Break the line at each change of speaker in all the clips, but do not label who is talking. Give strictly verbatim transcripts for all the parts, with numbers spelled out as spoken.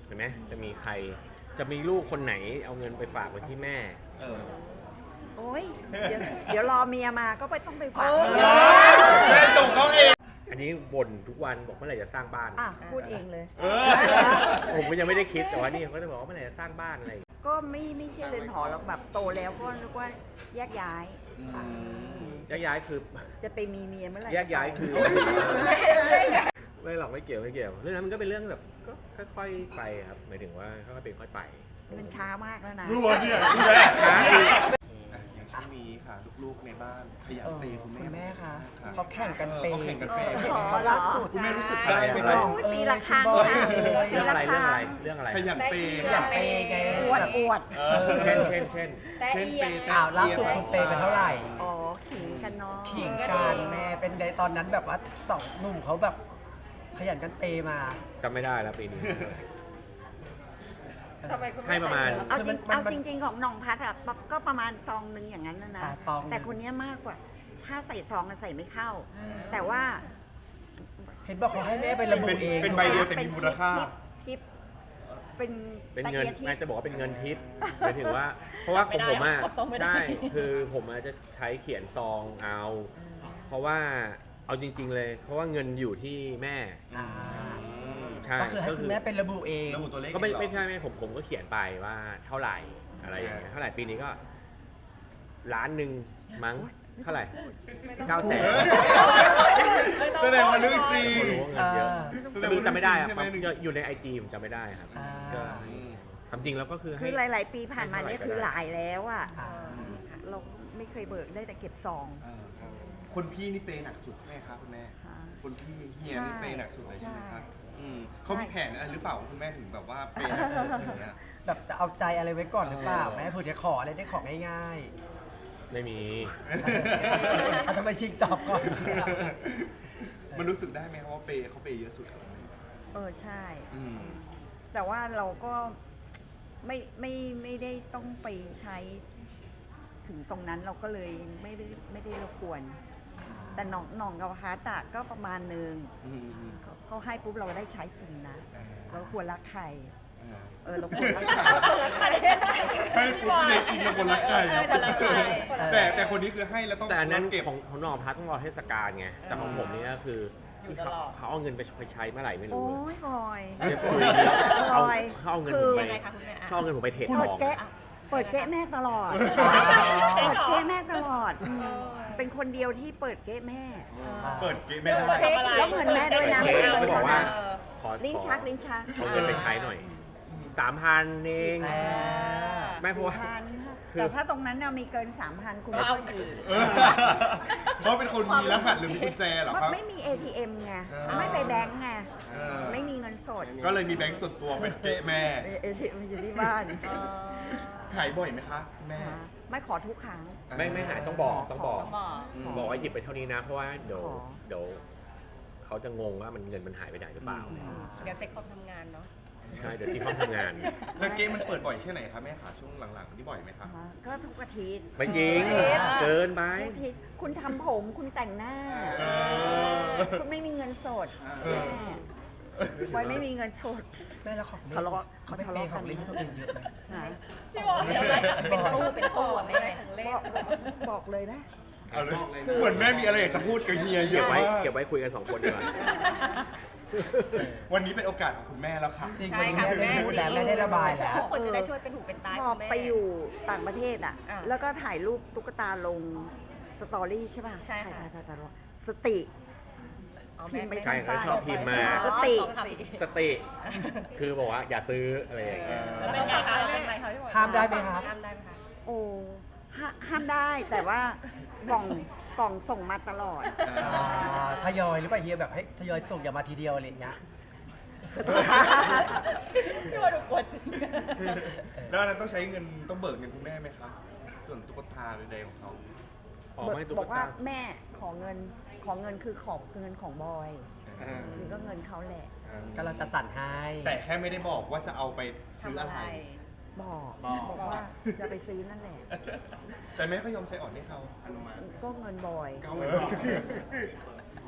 เห็นไหมจะมีใครจะมีลูกคนไหนเอาเงินไปฝากไว้ที่แม่
เออ
โอ้ยเดี๋ยวเดี๋ยวรอเมียมาก็ไปต้องไปฝาก
แม่ส่งเขาเอง
อันนี้บ่นทุกวันบอกเมื่อไหร่จะสร้างบ้าน
อ่ะพูดเองเลย
เออ
ผมก็ยังไม่ได้คิดแต่ว่านี่เขาจะบอกว่าเมื่อไหร่จะสร้างบ้านอะไร
ก็ไม่ไม่ใช่เรือนหอหรอกแบบโตแล้วก็นึกว่าแยกย้ายอ่ะ
แยกย้ายคือ
จะไปมีเมียเมื่อไหร่
แยกย้ายคือไม่หรอกไม่เกี่ยวไม่เกี่ยวเรื่องนั้นมันก็เป็นเรื่องแบบก็ค่อยๆไปครับหมายถึงว่าค่อยๆเป็นค่อยไป
มันช้ามากแล้วนะ
รู้ว่าเนี่ย
ช้าอีก
อย่างช่วงนี้ค่ะลูกๆในบ้านขยัน
เออ
เปย์คุณแม่
คุณแม่คะ
รับ
เขาแข่งกันเปย์
เขาแข่งกันเปย์
ขอเหรอ
คุณแม่รู้สึกได้ไหม
ใช่
ครับ
โอ้ยปีละครั้งค่ะ
เรื่องอะไรเรื่องอะไรเรื่องอะไร
ขยันเปย์
ขยันเปย์ไง
อวดอวด
เออ
เช่นเช่นเช่น
เช่นเปย์
อ้าวล่าสุดคุณเปย์ไปเท่าไหร่
อ๋อขิงกันเนาะ
ขิงกันแม่เป็นไงตอนนั้นแบบว่าสองหนุ่มเขาแบบขยันกันเปย์มา
จำไม่ได้แล้วปีนี้
ทำไมคุณ
ให้ประมาณ
เอาจริง
มันมัน
เอาจริง ๆ ของหน้องพัดอะก็ประมาณซองหนึ่งอย่างนั้นนะนะ
อ่าซองหนึ่ง
แต่คนเนี้ยมากกว่า ถ้าใส่ซองอะใส่ไม่เข้า แต่ว่า
เห็นบอกเขาให้แม่ไประบุเอง
เป็นใบเดียวแต่มีมูลค่า
ทิปเป็น
เป็นเงิน
ตะกียบทิป
แม่จะบอกว่าเป็นเงินทิปหมายถึงว่า เพราะว่าของผมอ่ะใช่คือผมอาจจะใช้เขียนซองเอา เพราะว่าเอาจริง ๆ เลย เพราะว่าเงินอยู่ที่แม่
อ่า
ใช่
ก็คือให้คุณแม่เป็นระบุเอง
ระบุตัวเลข
ก็ไม่
เองเหรอ
ไม่ใช่ไม่ผมผมก็เขียนไปว่าเท่าไหร่อะไรอย่างเงี้ยเท่าไหร่ปีนี้ก็ล้านหนึ่งมั้งเท่าไหร่เก้าแสน
แสดงว่าเรื่องจริง
เขารู้ว่าเงินเยอะ
อ่า
แต่ไม่รู้จำไม่ได้ครับ
ใช่ไหม
อยู่ในไอจีผมจำไม่ได้ครับ
อ่า
ก็ความจริงแล้วก็คือ
คือ
ให้
หลาย ๆ ปีผ่านมาเนี่ยคือหลายแล้วอ่ะ
อ่า
เราไม่เคยเบิกได้แต่เก็บซอง
เออคนพี่นี่เปย์หนักสุดใช่ไหมครับคุณแม่
ค่ะ
คนพี่เฮียนี่เปย์หนักสุดเลยใช่ไหมครับ
ใช่
อืมเขามีแผนอะไรหรือเปล่าคุณแม่ถึงแบบว่าเปย์หนักสุดอย่างเงี้ย
แบบจะเอาใจอะไรไว้ก่อนหรือเปล่าแม่เผื่อจะขออะไรได้ของง่าย
ไม่มี
ๆเอาทำไมชิงตอบก่อน
มันรู้สึกได้ไหมครับว่าเปย์เขาเปย์เยอะสุดครับ
เออใช่
อืม
แต่ว่าเราก็ไม่ไม่ไม่ได้ต้องไปใช้ถึงตรงนั้นเราก็เลยไม่ได้ไม่ได้รบกวน แต่หน้องหน้องกับฮาร์ตอะก็ประมาณหนึ่ง
อืมอืม
เขาเขาให้ปุ๊บเราได้ใช้จริงนะ
อ่า
เราควรรักใคร
อ่า
เออเราควรรักใคร
ให้ปุ๊บเลยจริงเป็นคนรักใครแต่แต่คนนี้คือให้แล้วต้อง
แต่อันนั้น
เก็บ
ของของนองพัดต้องรอเทศกาลไงแต่ของผมนี่ก็คือเขาเขาเอาเงินไปไปใช้เมื่อไหร่ไม่รู้
โอ้
เลย
ยบอย
เดี๋ยวคุยเดี๋ยวเอา
บอย
เขาเอาเงิน
คื
ผม
อ
ไป
ยังไงคะคุณแม่อะ
เขาเอาเงินผมไปเทรดท
เปิด
อง
แกะเปิดแกะแม่ตลอด เปิดเก๊ะแม่ตลอดอืมเป็นคนเดียวที่เปิดเก๊ะแม่
เปิดเกมไม่ได้
เช็คแล้วเงินแม่ด้วยนะ
เช็ค
เงิน
เขาบอก
เขา
ว่า
นะ
ขอ
ลิ้นชักลิ้นชัก
เอาเงินไปใช้หน่อยสามพันเอง
อ่า
ไม่เพราะว่า
สี่พัน
คือ
แต่ถ้าตรงนั้นน่ะมีเกินสามพันคุณไม่ค่อยดี
เออเขาเป็นคนมีรหัสหรือมีกุญแจเหรอครับ
ไม่มี เอ ที เอ็ม ไง
อ๋อ
ไม่ไปแบงก์ไง
เออ
ไม่มีเงินสด
ก็เลยมีแบงค์ส่วนตัวเป็นเกะแม่
เอทีเอ็มอยู่ที่บ้าน
หายบ่อยไหมคะแม่
ไม่ขอทุกครั้ง
ไม่ไม่หายต้องบอกต้องบอก
ต้องบอก
อืม
บอกว่าหยิบไปเท่านี้นะ เพราะว่าเดี๋ยว
ขอ
เดี๋ยวเขาจะงงว่ามันเงินมันหายไปไหนหรือเปล่า
เดี๋ยวเซ็กคอมทำงานเนาะ
ใช่เดี๋ยวซีคอมทำงาน
แล้วเกมมันเปิดบ่อยแค่ไหนคะแม่คะช่วงหลังๆนี่บ่อยไหมคะ
อ่าก็ทุกอาทิตย์
ไม่จริง เกินไป
ทุกอาทิตย์คุณทำผมคุณแต่งหน้า
เออ
คุณไม่มีเงินสด
เออ
แม่ไว้ไม่มีเงินสด
แม่แล้วของเล่น
ทะเลาะ
เขาไป
เขาทะ
เป
เลาะ
ย์ของเล่น
กัน
ให้ตัวเองเยอะไหม
นะ
พี่บอกเดี๋ยวนะเป็นตู้เป็นตู้อะไม่ใช่ของเล่
บ
น
อกบอกเลยนะ
เอาเลยเหมือนแม่มีอะไรอยากจะพูดกับเฮียเย
เก็บ
อะ
ไว้
มาก
เก็บไว้คุยกันสองคนดีกว่า
วันนี้เป็นโอกาสของคุณแม่แล้วค่ะ
จริง
ใช่
วันนี้
ค่ะ
แม่ได้พูดแล้วแม่ได้ระบายแล้ว
ทุกคนจะได้ช่วยเป็นหูเป็นตา
พ
ให้
อ
คุณแม่
ไปอยู่ต่างประเทศอ่ะ
อ่ะ
แล้วก็ถ่ายรูปตุ๊กตาลงสตอรี่ใช่ป่ะ
ใช่ค่ะ
ถ่ายถ่ายถ่ายถ่ายสติ
อ๋อ
พิมพ์ไป
ใช่เขาชอบพิมพ์มา
สติ
อ๋อสองคำ
สติ คือบอกว่าอย่าซื้ออะไรอย่างเงี้ย
แล้วเป็นไงคะแล้วเป็นไงคะพี่บอย
ห้ามได้ไหมครับ
ห้ามได้ไหมคะ
โอ้ห้าห้ามได้แต่ว่ากล่องกล่องส่งมาตลอด
อ่าทยอยหรือเปล่าเฮียแบบให้ทยอยส่งอย่ามาทีเดียวอะไรอย่างเงี้ย
พี่บอยดูกลัวจริง
แล้วอันนั้นต้องใช้เงินต้องเบิกเงินคุณแม่ไหมครับส่วนตุ๊กตาใดๆของเขา
ออกไม่ตุ๊
บ
ก
อกว่า
ตา
แม่ขอเงินขอเงินคือขอบเงินของบอย
อ่า
คือก็เงินเขาแหละ
ก็เราจะสั่นให้
แต่แค่ไม่ได้บอกว่าจะเอาไปซื้อ
ทำ
อะ
อะไร ไร
บอก
บอก
บอกว่าจะไปซื้อนั่นแหละ
แต่แม่ก็ยอมใช้อ่อนให้เขาอนุมัติ
ก็เงินบอย
ก็ไม่บอก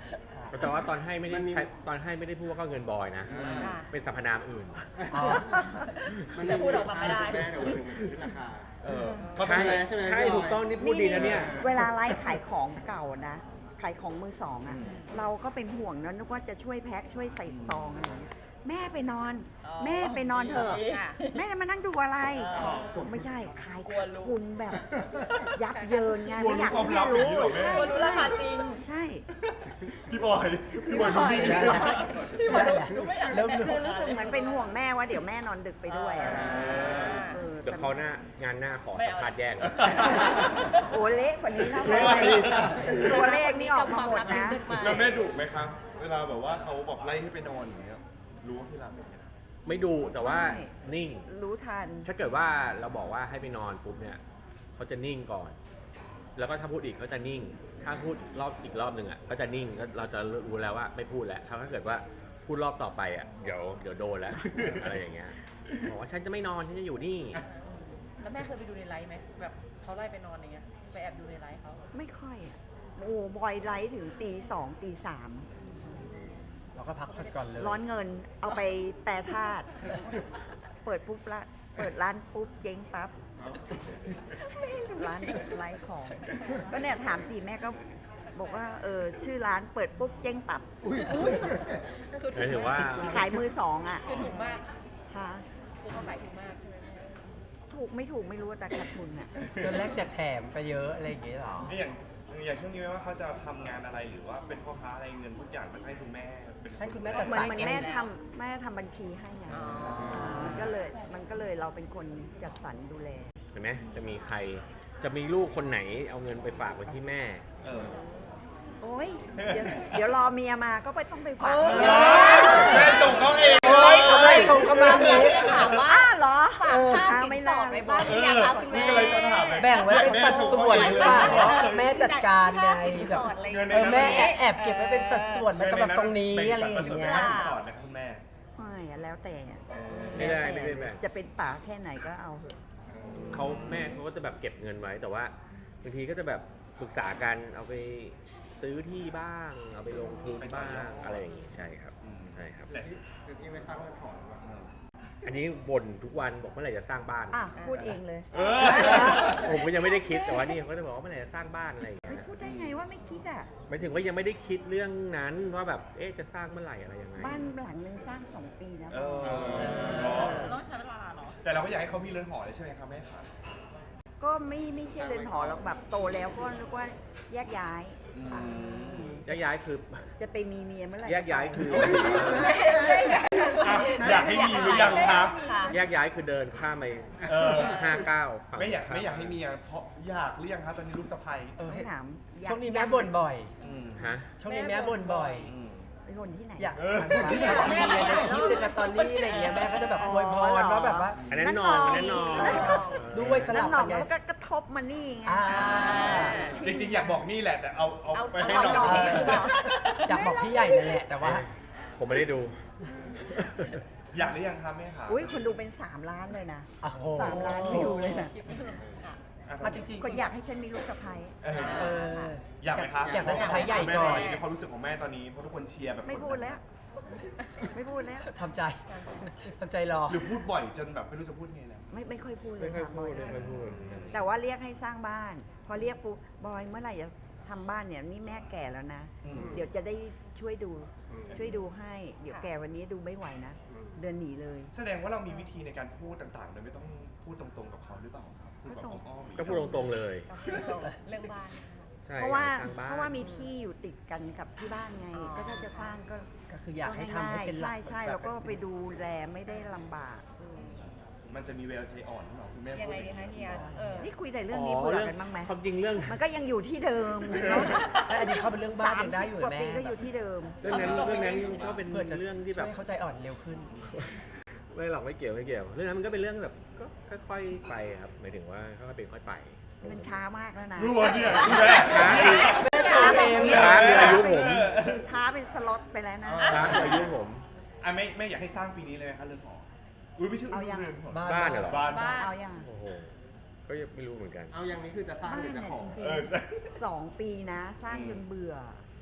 แต่ว่าตอนให้ไม่ได้ตอนให้ไม่ได้พูดว่าก็เงินบอยนะ
อ่ะ
เป็นสรรพนามอื่น
อ๋อ
จะพูดออกมาไม่ได้
แม่เดี๋ยวถึงขึ้นราคา
เออ
เขาต้อง
ใช่
ใช้ใช่ไหม
ใช่
พี่บอย
ถูกต้องนี่พูดดีนะเนี่ย
เวลาไลฟ์ขายของเก่านะ ขายของมือสองอ่ะ เราก็เป็นห่วงนะนึกว่าจะช่วยแพ็คช่วยใส่ซองอะไรอย่างเงี้ยแม่ไปนอน
อ๋อ
แม่ไปนอนเถอะ
ค่ะ
แม่จะมานั่งดูอะไร
อ๋อ
ไม่ใช่ขาย
กลัว
ขาด
รู้
ทุนแบบ ยับเยินไง
กลัว
ไม่อยาก
รู้
ให้
ความลั
แม่
บอย่าง
รู้
นี้เหรอแม่
ใช่
กลัวรู้ราคาจริง
ใช่
พี่บอยพี่บอยดูดี
ได้
นะ
พี่บอกดูดูไม่อยาก
เริ่ม
คือรู้สึกเหมือนเป็นห่วงแม่ว่าเดี๋ยวแม่นอนดึกไปด้วยอะไรอย่างเงี้ยเออ
เดี๋ยวเขาหน้างานหน้าขอสัมภาษณ์แยกเลย
โอ้เละกว่านี้นะตัวเลขนี่ออกมาหมดนะ
แล้วแม่ดุไหมครับ เวลาแบบว่าเขาแบบไล่ให้ไปนอนอย่างเงี้ยรู้ว่าที่รักเป็นยังไง
ไม่ดูแต่ว่า
ไม่
นิ่ง
รู้ทัน
ถ้าเกิดว่าเราบอกว่าให้ไปนอนปุ๊บเนี่ยเขาจะนิ่งก่อน แล้วก็ถ้าพูดอีกเขาจะนิ่ง ถ้าพูดรอบอีกรอบหนึ่งอ่ะก็จะนิ่งก็เราจะรู้แล้วว่าไม่พูดแล้วถ้าเกิดว่าพูดรอบต่อไปอ่ะเดี๋ยวเดี๋ยวโดนแล้ว อะไรอย่างเงี้ยบอกว่าฉันจะไม่นอนฉันจะอยู่นี่
แล้วแม่เคยไปดูในไลฟ์ไหมแบบเขาไล่ไปนอนอย่างเงี้ยไปแอบดูในไลฟ์เขา
ไม่ค่อยอะโอ้บอยไลท์ถึงตีสองตีสาม
เราก็พักสักก่อนเลย
ร้อนเงินเอาไปแปรธาตุเปิดปุ๊บละเปิดร้านปุ๊บเจ๊งปั๊บร้านไลท์ของ ก็เนี่ยถามสิแม่ก็บอกว่าเออชื่อร้านเปิดปุ๊บเจ๊งปั๊บ
คือ
หมายถึงว่า
ขายมือสองอ่ะ
คือถูกมาก
ค่ะ
คือเขาขายถูกมากใช่ไหมแม่
ถูกไม่ถูกไม่รู้แต่ขาดทุนอ่ะ
เดือนแรกแจกแถมไปเยอะอะไรอย่างเงี้ยเหรอ
นี่อย่างอย่างช่วงนี้ไม่ว่าเขาจะทำงานอะไรหรือว่าเป็นพ่อค้าอะไรเงินทุกอย่างมันให้คุณแม่เป็น
ให้คุณแม่
เห
จัด
มื
ส
อน
รร
เหมือนแม่ทำแม่ทำบัญชีให้ไง
อ๋อ
มันก็เลยมันก็เลยเราเป็นคนจัดสรรดูแล
เห็นไหมจะมีใครจะมีลูกคนไหนเอาเงินไปฝากไว้ที่แม่
เออ
โอ้ยเดี๋ยวเดี๋ยวรอเมียมาก็ไปต้องไปฝากเมีย
แม่ส่งเขาเอง
โอ้ยทำไมชมเข้ามาอย่างนี้
ถามว่า
อ้าเหรอ
ฝากค่า
อ้
สิน
ไม่
ส
น่า
อดไว้บ้างหรือยังคะคุณแม่
นี่ก็เลยจะถามเลย
แบ่งไว้เป็นสัดส่วนหรือเปล่าแม่จัดการไงแบบ
เงินใน
เออ
นั้น
แม่แอบเก็บไว้เป็นสัดส่วนแล้วก็แบบตรงนี้อะไรอย่าง
เงี้
เงี้ย
สอนนะครับคุณแม่
ไม่อะแล้วแต่อะ
ไม่ได้
แล้ว
ไม่
แต่
ได้แบ่ง
จะเป็นป่าแค่ไหนก็เอาเถอะ
เขาแม่เขาก็จะแบบเก็บเงินไว้แต่ว่าบางทีก็จะแบบปรึกษากันเอาไปซื้อที่บ้าง เอาไปลงทุนบ้างอะไรอย่างงี้ใช่ครับใช่ครับ
แต่ที่
คือที่ไม่สร้างเงินถอนว่า
อันนี้บ่นทุกวันบอกเมื่อไหร่จะสร้างบ้าน
อ่ะพูดเองเลย
เออ
ผมก็ยังไม่ได้คิดแต่ว่านี่เขาก็จะบอกว่าเมื่อไหร่จะสร้างบ้านอะไรอย่างเงี้ย
พูดได้ไงว่าไม่คิดอ่ะ
หมายถึงว่ายังไม่ได้คิดเรื่องนั้นว่าแบบเอ๊ะจะสร้างเมื่อไหร่อะไรยังไง
บ้านหลังนึงสร้างสองปีนะ
เออ
ต้องใช้เวลาเนาะ
แต่เราก็อยากให้เขามีเรือนหอเลยใช่ไหมครับแม่ครับ
ก็ไม่ไม่ใช่เรือนหอหรอกแบบโตแล้วก็นึกว่าแยกย้าย
แยกย้ายคือ
จะไปมีเมียเมื่อไหร่
แยกย้ายคือ
อ่ะอยากให้มีหรือยังครับ
ค่ะ
แยกย้ายคือเดินข้ามไป
เออ
ห้าเก้าฝั่ง
ไม่อยาก
ข้
ไม่อยากให้มีอ่ะเพราะอยากหรือยังครับตอนนี้ลูกสะใภ้
เออ
ต้องถามอยาก
ช่วงนี้แม่บ่นบ่อย
ฮะ
ช่วงนี้แม่บ่นบ่อย
เป็นคนที่ไหน
อยากอยากมีในคลิปในสตอรี่อะไรอย่างเงี้ยแม่ก็จะแบบอวยพรว่าแบบว่า
อันนั้นนอนอันนั้นนอน
ด้วยส
แล้
ลั
ว
บ
หน่
กั
อน ง
ไง
มันก็กระทบมานี่ไง
อ่า
จริงๆ อยากบอกนี่แหละแต่เอาเอา
เอา
ไป
เอา
ให้
เอา
น้อง
น้อง
อยากบอกพี่ใหญ่นั่นแหละแต่ว่า
ผมไม่ได้ดู
อยากหรือยังครับแม่ครับ
อุ้ยคนดูเป็นสามล้านเลยนะ
โอ้โห
สามล้านวิวเลยนะ
อ่ะ
อ่ะจริงๆ
คนอยากให้ฉันมีลูกสะใภ้
เออ
เออ
อยากไหมครับ
อยากได้สะใภ้ใหญ่ก่อน
แม่ในความรู้สึกของแม่ตอนนี้เพราะทุกคนเชียร์แบบ
ไม่พูดแล้ว ไม่พูดแล้ว
ทำใจทำใจรอ
หรือพูดบ่อยจนแบบไม่รู้จะพูดไงแล้ว
ไม่ไม่ค่อยพูดเล
ไม่
ย
ค่อย
ค่ะ
พูด
บ
ไม่
อย
ค่อยพูด
แต่ว่าเรียกให้สร้างบ้าน พอเรียกปุ๊บบอยเมื่อไหร่จะทำบ้านเนี่ยนี่แม่แก่แล้วนะ
อืม
เดี๋ยวจะได้ช่วยดู ช่วยดูให้ เดี๋ยวแก่วันนี้ดูไม่ไหวนะ เดินหนีเลย
แสดงว่าเรามีวิธีในการพูดต่างๆโดยไม่ต้องพูดตรงๆกับเขาหรือเปล่าครับพูดแบบอ้อมๆ
ก็พูดตรงๆเลย
เรื่องบ้าน
ใช่
เพราะว่า
สร้างบ้าน
เพราะว่ามีที่อยู่ติดกันกับที่บ้านไง
อ๋อ
ก็ถ้าจะสร้างก็
ก็คืออยากให้ทำให้เป็นหลั
ใช่
ก
ใช่แล้วก็ไปดูแลไม่ได้ลำบาก
มันจะมีเวลใจอ่อนหรือเปล่าคุณแม่
ยัง
พูด
ไงดีคะเฮียเออ
นี่คุยแต่เรื่องนี้เบื่อกันบ้างไหม
ความจริงเรื่อง
มันก็ยังอยู่ที่เดิมเนอะ
แต่อันนี้เขาเป็นเรื่องบ้าน
สาม
ยังได้
สิ
อบ ยู่
กว่า
แม่
ปีก็อยู่ที่เดิม
เรื่องนั้นเรื่องนั้นก็เป็น
เพื่อจะ
เรื่องที่แบบ
ช่วยเข้าใจอ่อนเร็วขึ้น
ไม่หรอกไม่เกี่ยวไม่เกี่ยว เรื่องนั้นมันก็เป็นเรื่องแบบก็ค่อยๆไปครับหมายถึงว่าค่อยๆเป็นค่อยไป
มันช้ามากแล้วนะ
รู้ว่าเนี่ยคุณแม่
ช้าคือ
แม่ชมเอง
ช้าคืออายุผม
ช้าเป็นสล็อตไปแล้วนะ
ช้าคืออายุผม
อ่ะไม่ไม่อยากให้สร้างปีนี้เลยไหมคะเรือนหออุ้ยไม่ใช่
เอายัง
เรือนหอ
บ้าน
บ้านเหรอ
บ้าน
บ้าน
เอาอย่าง
โอ้โหก็ยังไม่รู้เหมือนกัน
เอาอย่างนี้คือจะสร้าง
บ้าน
หรือจะ
เนี่ย
ขอ
จริง
เออ
ๆสองปีนะ สร้างจนเบื่อ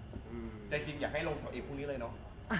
ใจจริงอยากให้ลงเสาเอกพรุ่งนี้เลยเนาะ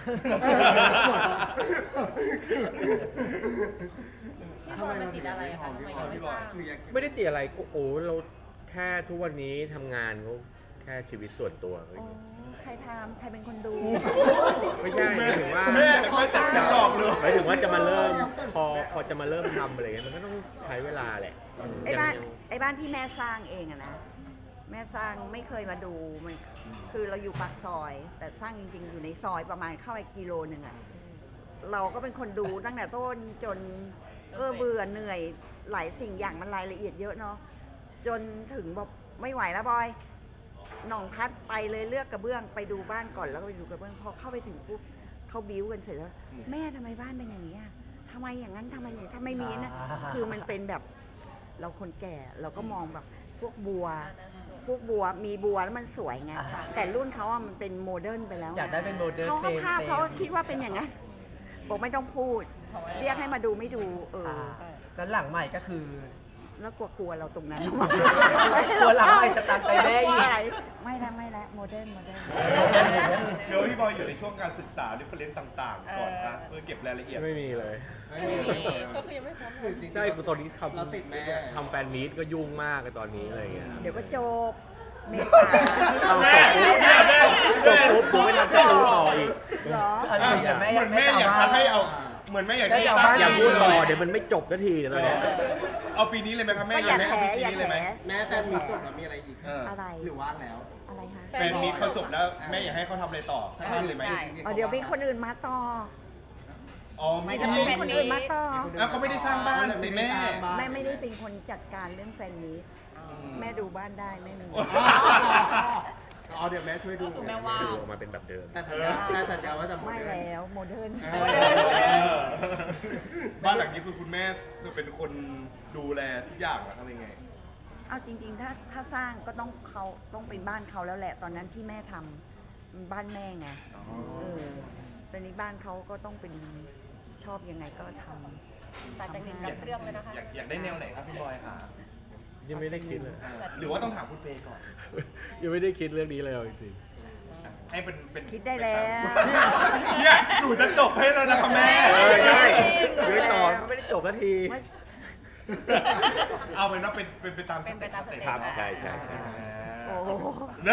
พี่บอยมันติดอะไรอะคะทำไมยังไม่สร้าง
ไม่ได้ติดอะไรก็โอ้เราแค่ทุกวันนี้ทำงานก็แค่ชีวิตส่วนตัว
อ๋อใครทำใครเป็นคนดู
ไม่ใช่หมายถึงว่า
แม่แม่จัดจะตอบเลย
หมายถึงว่าจะมาเริ่มพอพอจะมาเริ่มทำอะไรเงี้ยมันก็ต้องใช้เวลาแหละ
ไอ้บ้าน
ยัง
ไอ้บ้านที่แม่สร้างเองอะนะแม่สร้างไม่เคยมาดูมันคือเราอยู่ปากซอย แต่สร้างจริงๆอยู่ในซอยประมาณเข้าไปกิโลหนึ่งอะเราก็เป็นคนดูตั้งแต่ต้นจนเออเบื่อเหนื่อยหลายสิ่งอย่างมันรายละเอียดเยอะเนาะจนถึงบอกไม่ไหวแล้วบอยหน่องพัดไปเลยเลือกกระเบื้องไปดูบ้านก่อนแล้วก็ไปดูกระเบื้องพอเข้าไปถึงปุ๊บเขาบิ้วกันเสร็จแล้วแม่ทำไมบ้านเป็นอย่างนี้อะทำไมอย่างนั้นทำไมอย่างนี้ทำไมมีนะ
อ่า
คือมันเป็นแบบเราคนแก่เราก็มองแบบพวกบัว พวกบัวมีบัวแล้วมันสวยไง
อ่าฮะ
แต่รุ่นเขาอะมันเป็นโมเดิร์นไปแล้ว
อยากได้เป็นโมเดิร์น
เขาก็ภาพ
เฟรม
เขาก็คิดว่าเป็นอย่างนั้นบอกไม่ต้องพูด เรียกให้มาดูไม่ดู เออ
อ่าแล้วหลังใหม่ก็คือ
แล้วกลัวๆเราตรงนั้น
กลัวหลังใหม่จะตามใจแม่อีก
ไม่ละไม่ละโมเดิร์นโมเดิร์น
เดี๋ยวพี่บอยอยู่ในช่วงการศึกษาดิเฟเรนต์ต่างๆ ก่อนนะเพื่อเก็บรายละเอียด
ไม่มีเลย
ก็คือยังไม่พร้อม
คือจริงๆ
ใช่คือตอนนี้ทำ
เราติดแม่
ทำแฟนมีตก็ยุ่งมากเลยตอนนี้อะไรเงี้ย
เดี๋ยวก็จบเมษา
เอา
แม่
จบปุ๊บจบปุ๊บเดี๋ยวไม่ทันจะรู้ต่ออีก
เหรอ
อันนี้แต่แม่
เหมือนแม่อยากจะให้เอา เหมือนแม่อยากให้สร้าง
อย่าพูดต่อเดี๋ยวมันไม่จบสักทีเดี๋ยวตอนเนี้ย
เอาปีนี้เลยไหมครับแม่
ก็อย่า
แม่
แถ
เอาปี
อย่า
นี้
แถ
เลยไหม
แม่แฟนมีจบแล้วมีอะไรอีก
เออ
อะไร
หรือว่างแล้ว
อะไรฮะ
แฟนมีตเขาจบแล้วแม่อยากให้เขาทำอะไรต่อสักนิดเลยไหม
เอาเดี๋ยวมีคนอื่นมาต่อ
อ๋อไม่
จะ
ได้
เป็นคนอื่นมาต่อ
อ้าวก็ไม่ได้สร้างบ้านสิแม่
แม่ไม่ได้เป็นคนจัดการเรื่องแฟนมีตแม่ดูบ้านได้ไม่มี
อ๋อเดี๋ยวแม่ช่วยดู
ก็คือแม่ว่าง
ดูออกมาเป็นแบบเดิม
แต่สัญญาแต่สัญญาว่าจะ
ไม่แล้วโมเดิร์น
เออบ้านหลังนี้คือคุณแม่จะเป็นคนดูแลทุกอย่างเหรอทำยังไง
เอาจริงๆ ถ้าถ้าสร้างก็ต้องเขาต้องเป็นบ้านเขาแล้วแหละ ตอนนั้นที่แม่ทำมันบ้านแม่ไงเออตอนนี้บ้านเขาก็ต้องเป็นชอบยังไงก็ทำ
สาจากหนึ่งรับเรื่องเลยนะคะ
อยากอยากได้แนวไหนครับพี่บอยค่ะ
ยังไม่ได้คิดเลย
หรือว่าต้องถามคุณเฟย์ก่อน
ยังไม่ได้คิดเรื่องนี้เลยเอาจริง
ให้เป็นเป็น
คิดได้แล้ว
เนี่ยหนูจะจบให้แล้วนะคะแม่
ๆเออใช่ยังไม่ต่อไม่ได้จบสักที
ไม่
เอาเป็นว่าเป็นเป็นไปตามส
เป็นไป
เต็ป
ตามสเต็ป
ครับใช่ใช่ใช่
โอ้โห
นะ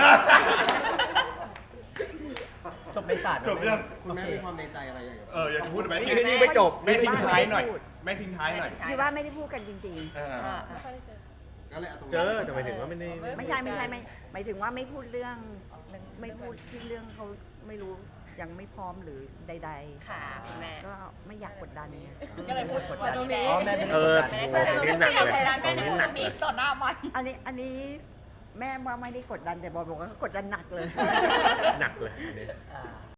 จบไม่สาด
จบเรื่อง
คุณแม่มีความในใจอะไรอย่างเงี้ย
เอออยากจะพูดไหม
นี่นี่ไม่จบ
แม่ทิ้งท้ายหน่อยแม่ทิ้งท้ายหน่อย
อยู่บ้านไม่ได้พูดกันจริง
เออ
อ่า
ก็เลยเอาตรง
เจอแต่หมายถึงว่าไม่ได้
ๆ ไม่ใช่ไม่ใช่ไม่หมายถึงว่าไม่พูดเรื่อง ไม่พูดที่เรื่องเขาไม่รู้ยังไม่พร้อมหรือใด
ค่ะคุณแม่
ๆ ก็ไม่อยากกดดันไง
ก็เลยพูด
กด
ว่า
ดัน
ตรงนี้
อ๋อแม่ไม่ได้
เอก
ด
อ
ดัน
โอ้โหนี่หนักเลยตรงนี้หนักเลย
ต่อหน้ามัน
อันนี้อันนี้แม่ว่าไม่ได้กดดันแต่บอยบอกว่าเขากดดันหนักเลย
หนักเลยอันนี้
อ่า